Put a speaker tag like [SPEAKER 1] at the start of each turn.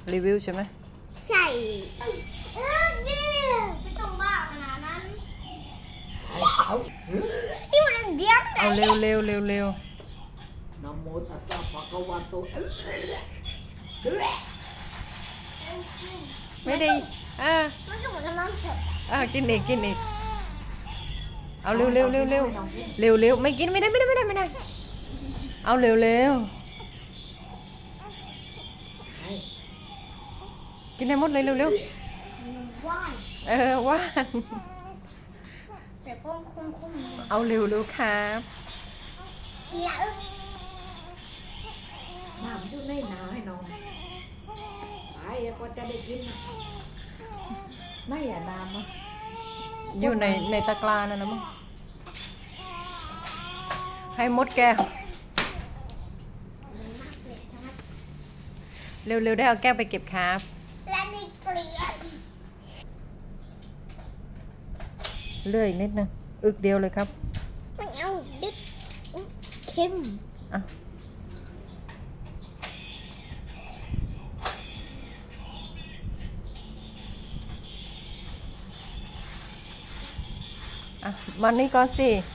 [SPEAKER 1] รีวิวใช่ไหม
[SPEAKER 2] ใช่เนี่ยไม่ต้องบ้าขนาดนั้นนี่มันเดียว
[SPEAKER 1] เอาเร็ว
[SPEAKER 3] นะโมตัสสะภะคะวะโต
[SPEAKER 1] ไม่ได้
[SPEAKER 2] มันก็เหมือนน้ำเถอะ
[SPEAKER 1] กินอีกเอาเร็วไม่กินไม่ได้เอาเร็วกินให้หมดเลยเร็ว
[SPEAKER 2] ว่าน
[SPEAKER 1] ว่าน
[SPEAKER 2] แต่ก็คง
[SPEAKER 1] เอาเร็วครับ
[SPEAKER 2] อย่า
[SPEAKER 3] น้ำอยู่ในนาให้น้องไปก็จะได้กินไม่อย่าน้ำอ่ะ
[SPEAKER 1] อยู่ในตะกร้านั่นนะมั้งให้มดแก้วเร็วได้เอาแก้วไปเก็บครับ
[SPEAKER 2] และนี่เกลียด
[SPEAKER 1] เลื่อยนิดนึงอึกเดียวเลยครับ
[SPEAKER 2] ไม่เอาดึกเค็ม
[SPEAKER 1] มันนี่ก่อนสิ